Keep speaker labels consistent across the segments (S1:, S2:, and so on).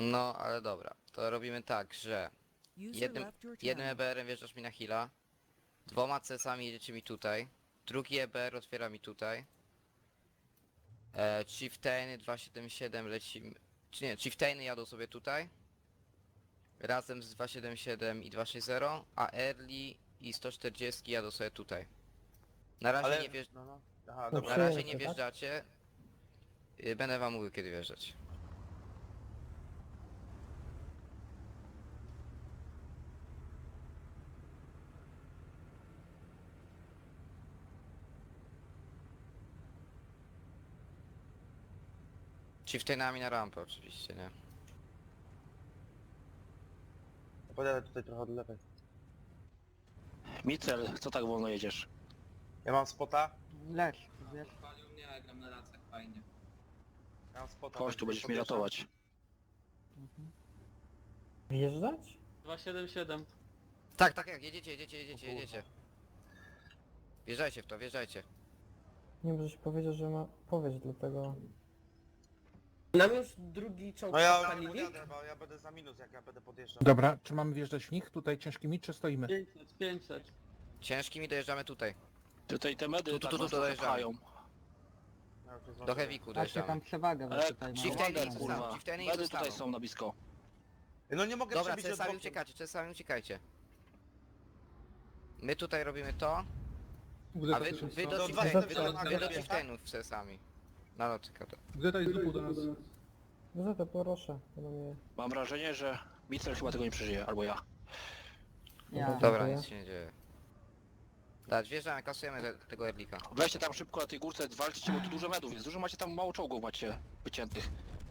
S1: No, ale dobra. To robimy tak, że
S2: User
S1: jednym,
S2: left your
S1: jednym
S2: channel.
S1: EBR-em wjeżdżasz mi na heala, dwoma CS-ami jedziecie mi tutaj, drugi EBR otwiera mi tutaj, Chieftainy 277 lecimy, czy nie, Chieftainy jadą sobie tutaj, razem z 277 i 260, a Early i 140 jadą sobie tutaj. Na razie
S3: Ale...
S1: nie wjeżdż...
S3: No, no. Aha,
S4: No
S3: dobra.
S1: Na razie
S4: przyjęcie,
S1: nie
S4: tak?
S1: wjeżdżacie, będę wam mówił kiedy wjeżdżać. Chieftainami na rampę oczywiście, nie?
S3: Podjadę tutaj trochę od lewej.
S5: Micel, co tak wolno jedziesz?
S3: Ja mam spota.
S6: Leć, wiesz.
S7: Palił mnie, ja gram na racach, fajnie.
S3: Ja mam spota.
S5: Chodź, tu będziesz mnie
S3: podjeżdżam.
S5: ratować.
S4: Wjeżdżać?
S6: 277.
S1: Tak, tak, jak jedziecie. Wjeżdżajcie w to, wjeżdżajcie.
S4: Nie możesz powiedzieć, że ma... Powiedz dlatego...
S8: Nam już drugi czołg
S3: No ja
S8: odpalili?
S3: podjadę, bo ja będę za minus jak ja będę podjeżdżał.
S9: Dobra, czy mamy wjeżdżać w nich tutaj ciężkimi, czy stoimy?
S6: 500, 500.
S1: Ciężkimi dojeżdżamy tutaj.
S5: Tutaj te medy tak nas
S1: dojeżdżamy.
S5: zapchają.
S3: Ja już
S1: Do
S3: zdążyłem.
S1: Heavy'ku
S6: Macie
S1: dojeżdżamy.
S6: tam przewagę, bo
S5: Ale
S6: tutaj
S1: Chieftain-
S6: mam.
S1: Chieftainy
S5: kurwa.
S1: zostaną, Chieftainy
S5: Medy
S1: zostaną.
S5: tutaj są na blisko.
S3: No nie mogę
S1: Dobra,
S3: przebić od
S1: CS-ami
S3: boku.
S1: uciekacie, CS-ami uciekajcie. My tutaj robimy to, a wy do
S3: No, dwa
S1: Chieftainów,
S3: Chieftainy
S1: wy do
S3: tak?
S1: Chieftainów z CS-ami. Na lotyka to.
S9: Gdzie to jest dupół do nas?
S4: No to proszę, to mnie...
S5: Mam wrażenie, że Micel chyba tego nie przeżyje, albo ja.
S6: Ja.
S1: Dobra,
S4: Dziękuję.
S1: nic się nie dzieje. Dać, wjeżdżamy, kasujemy tego Erlika.
S5: Weźcie tam szybko na tej górce, walczcie, bo tu dużo medów jest. Dużo macie tam, mało czołgów macie wyciętych.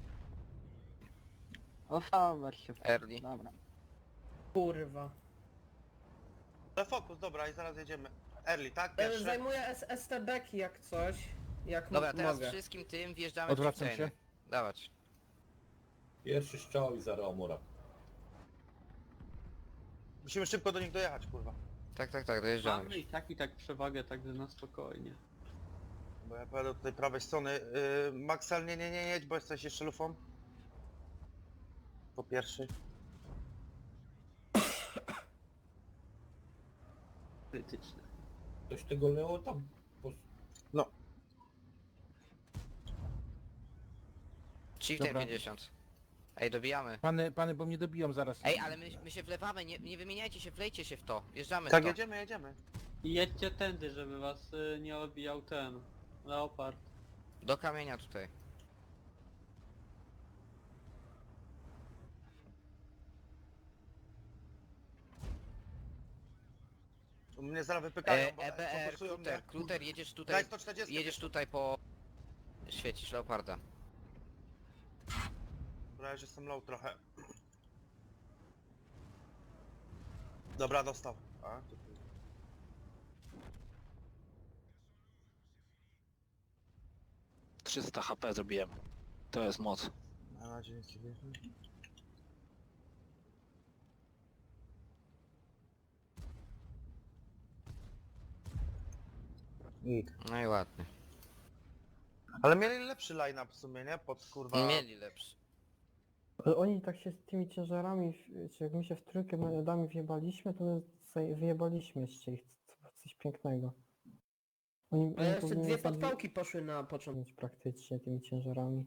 S6: Ofawer się.
S1: Early.
S6: Dobra.
S8: Kurwa.
S3: Ale fokus, dobra i zaraz jedziemy. Early, tak? Pierwsze.
S8: Zajmuję STB-ki jak coś. Jak
S1: Dobra, teraz
S8: mogę.
S1: wszystkim tym wjeżdżamy w
S9: Odwracam
S1: Chieftainy.
S9: się.
S1: Dawać.
S10: Pierwszy strzał i zero Amura.
S3: Musimy szybko do nich dojechać, kurwa.
S1: Tak, dojeżdżamy.
S6: Mamy i tak przewagę, także na spokojnie.
S3: Bo ja pojadę od tej prawej strony. Maxel, nie jedź, bo jesteś jeszcze lufą. Po pierwszy.
S6: Krytyczne.
S10: Ktoś tego Leo tam...
S1: Chieftain
S9: Dobra.
S1: 50. Ej, dobijamy.
S9: Pany, bo mnie dobiją zaraz.
S1: Ej, ale my się wlewamy, nie wymieniajcie się, wlejcie się w to. Wjeżdżamy w
S3: Tak,
S1: to.
S3: jedziemy.
S6: I jedźcie tędy, żeby was nie odbijał ten leopard.
S1: Do kamienia tutaj.
S3: Mnie zaraz wypykają, bo
S1: EBR,
S3: fokusują mnie.
S1: Kluter, jedziesz
S3: Daj
S1: tutaj,
S3: 140.
S1: jedziesz tutaj po... Świecisz Leoparda.
S3: Dobra, ja już jestem low trochę. Dobra, dostał. A, tu.
S5: 300 HP zrobiłem. To jest moc.
S3: Na razie nic nie wiem.
S1: No i ładnie.
S3: Ale mieli lepszy line-up w sumie, nie? Pod kurwa...
S1: Mieli lepszy.
S4: Ale oni tak się z tymi ciężarami, czy jak my się w trójkę medami wjebaliśmy, to my sobie wyjebaliśmy jeszcze ich coś pięknego. Oni
S8: Ale jeszcze
S4: powinni
S8: dwie
S4: nas zabić
S8: podpałki poszły na początku.
S4: praktycznie tymi ciężarami.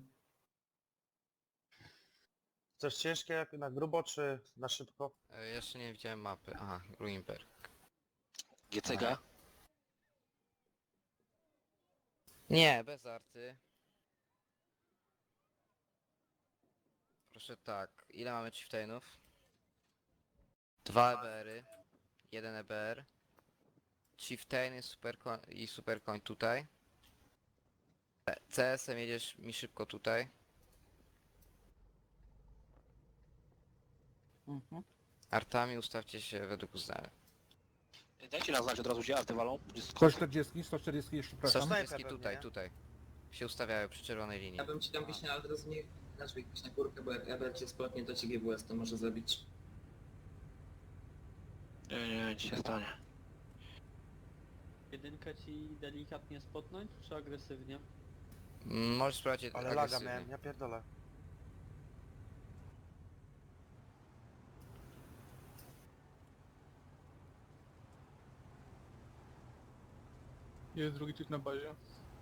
S3: Coś ciężkie jak na grubo, czy na szybko?
S1: Jeszcze nie widziałem mapy. Aha, Ruinberg.
S5: GCG.
S1: Nie, bez arty. Proszę tak, ile mamy Chieftainów? 2 EBR-y, 1 EBR. Chieftainy i Supercoin tutaj. CS-em jedziesz mi szybko tutaj. Artami ustawcie się według uznania.
S5: Dajcie nam znać od razu, gdzie arty walą.
S9: 140 jeszcze przepraszam.
S3: Snajper
S1: 140
S3: pewnie,
S1: tutaj,
S3: nie?
S1: tutaj. Się ustawiają przy czerwonej linii.
S7: Ja bym ci tam wiśnie, ale od razu nie... Znaczy jakoś na górkę, bo jak Eber cię spotnie, to ci GWS to może zabić.
S5: Nie, nic się stanie.
S6: Jedynkę ci delikatnie spotnąć, czy agresywnie?
S1: Możesz sprawdzić
S3: Ale laga
S1: agresywnie.
S3: miałem, ja pierdolę.
S2: Jest drugi typ na bazie.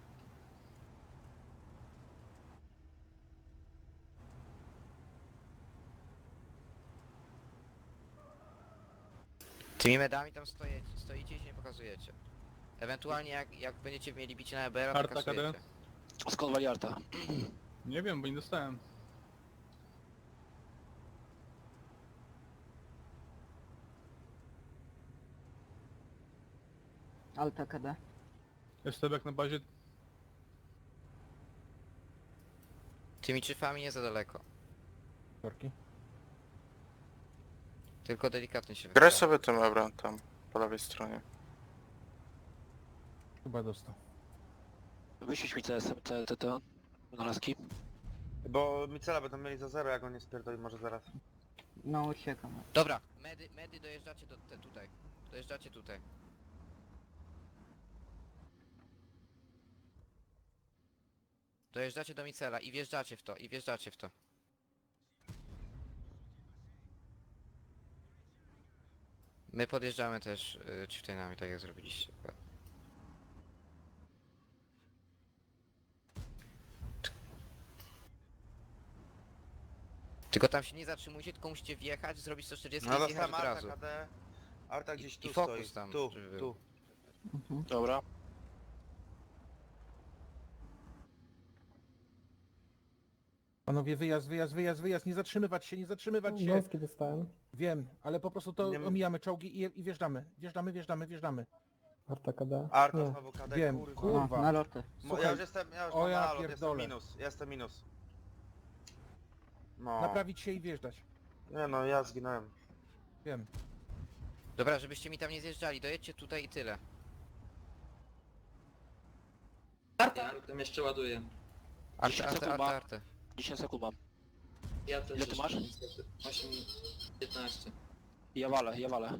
S1: Tymi medami tam stoicie i się nie pokazujecie. Ewentualnie jak będziecie mieli bicie na EBR, to
S2: Arta
S1: kasujecie.
S2: KD?
S5: Skąd wali Arta?
S2: Nie wiem, bo nie dostałem.
S8: Alta KD.
S2: STB na bazie.
S1: Tymi czyfami nie za daleko.
S9: Korki.
S1: Tylko delikatnie się
S11: Graj
S1: wychyla.
S11: sobie tym Ebrem tam, po lewej stronie.
S9: Chyba dostał.
S5: Wyświeć mi te wynalazki.
S3: Bo Micela będą mieli za 0, jak on nie spierdoli może zaraz.
S8: No uciekam.
S1: Dobra, medy dojeżdżacie tutaj. Dojeżdżacie tutaj. Dojeżdżacie do Micela i wjeżdżacie w to. My podjeżdżamy też chieftainami, tak jak zrobiliście. Tylko tam się nie zatrzymujcie, tylko musicie wjechać, zrobić 140
S3: No
S1: i wjechać
S3: dostałem
S1: od
S3: Arta
S1: razu.
S3: KD. Arta gdzieś
S1: I
S3: tu
S1: fokus
S3: stoi.
S1: tam,
S3: Tu,
S1: żeby
S3: tu.
S1: był.
S5: Dobra.
S9: Panowie, wyjazd, nie zatrzymywać się, się.
S4: Gąski dostałem.
S9: Wiem, ale po prostu to
S3: Nie-
S9: omijamy czołgi i wjeżdżamy. Wjeżdżamy.
S4: Arta KD.
S3: Arta
S4: Nie.
S3: znowu KD,
S9: Wiem,
S3: kurwa.
S9: kurwa.
S8: lotę.
S9: Słuchaj,
S3: Ja już jestem
S9: o
S3: mam
S9: ja
S3: nalot, jestem
S9: pierdolę.
S3: minus, jestem minus. No.
S9: Naprawić się i wjeżdżać.
S3: Nie no, ja zginąłem.
S9: Wiem.
S1: Dobra, żebyście mi tam nie zjeżdżali, dojedźcie tutaj i tyle.
S7: Ja tam jeszcze ładuję.
S5: 10 sekund ma.
S1: Arte.
S5: 10 sekund mam.
S7: Ja też
S5: Ile ty
S7: jeszcze
S5: masz?
S7: niestety. 8, 15.
S5: Ja walę.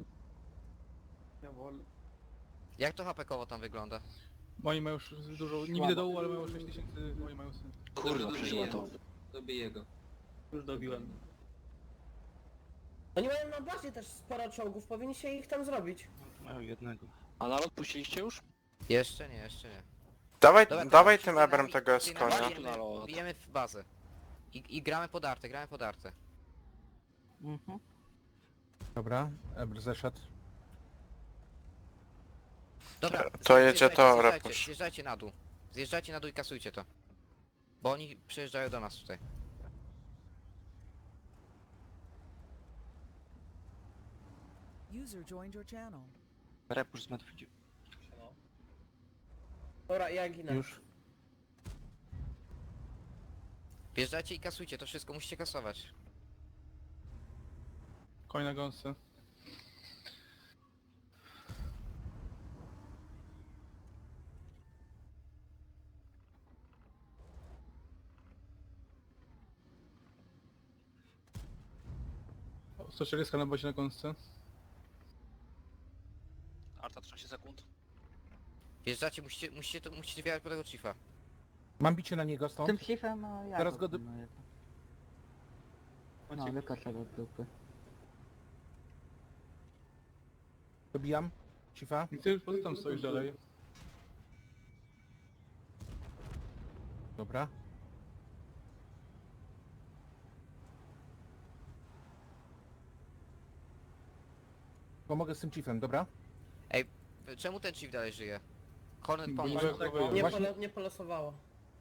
S6: Ja wolę.
S1: Jak to HP-kowo tam wygląda?
S2: Oni mają już dużo, nie widzę dołu, ale mają 6000, oni mają syn.
S5: Kurwa,
S7: Dobrze,
S5: przeżyła to.
S7: Dobiję go.
S6: Już dobiłem.
S8: Oni mają na bazie też sporo czołgów, powinniście ich tam zrobić.
S3: Mają jednego.
S5: A nalot puściliście już?
S1: Jeszcze nie.
S11: Dawaj,
S1: Dobra,
S11: dawaj
S1: to
S11: tym
S1: chieftainami-
S11: Ebrem tego
S1: chieftainami
S11: Eskonia.
S5: Tu nalot.
S1: bijemy w bazę. I gramy pod artę.
S9: Dobra, Ebr zeszedł.
S1: Dobra,
S11: To jedzie to,
S1: zjeżdżajcie,
S11: Repusz.
S1: zjeżdżajcie na dół. Zjeżdżajcie na dół i kasujcie to. Bo oni przyjeżdżają do nas tutaj.
S12: User joined your channel.
S3: Repusz z Medwedzi.
S8: Dobra, ja ginę.
S9: Już.
S1: Wjeżdżajcie i kasujcie, to wszystko musicie kasować.
S2: Koń na gąsce. O, 140 na bazie na gąsce.
S5: Arta 13 sekund.
S1: Wjeżdżacie, musicie wjechać po tego chiefa.
S9: Mam bicie na niego stąd.
S8: chiefem, no ja
S9: Teraz go
S8: wykaczę do dupy.
S9: dobijam. Cifa.
S2: I ty po co tam stoisz dalej?
S9: Dobra. Pomogę z tym chiefem, dobra?
S1: Czemu ten chief dalej żyje? Hornet
S2: Bo
S1: pomóż.
S2: nie zachowują.
S8: Nie,
S9: Właśnie-
S8: nie polosowało.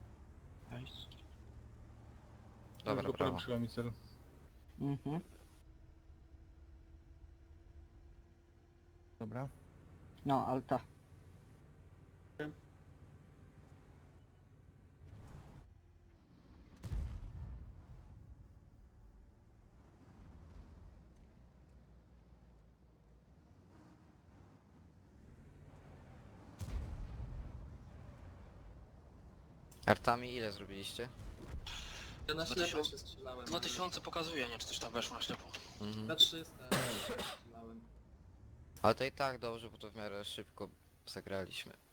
S1: Dobra,
S2: Już go
S1: brawo.
S2: polepszyła mi cel.
S9: Dobra.
S8: No, alta.
S1: Artami ile zrobiliście?
S7: Ja na ślepo
S5: 2000
S7: się strzelałem.
S5: 2000 pokazuje, nie? Czy coś tam weszło na ślepo.
S1: Mhm.
S7: Na 300 strzelałem.
S1: Ale to i tak dobrze, bo to w miarę szybko zagraliśmy.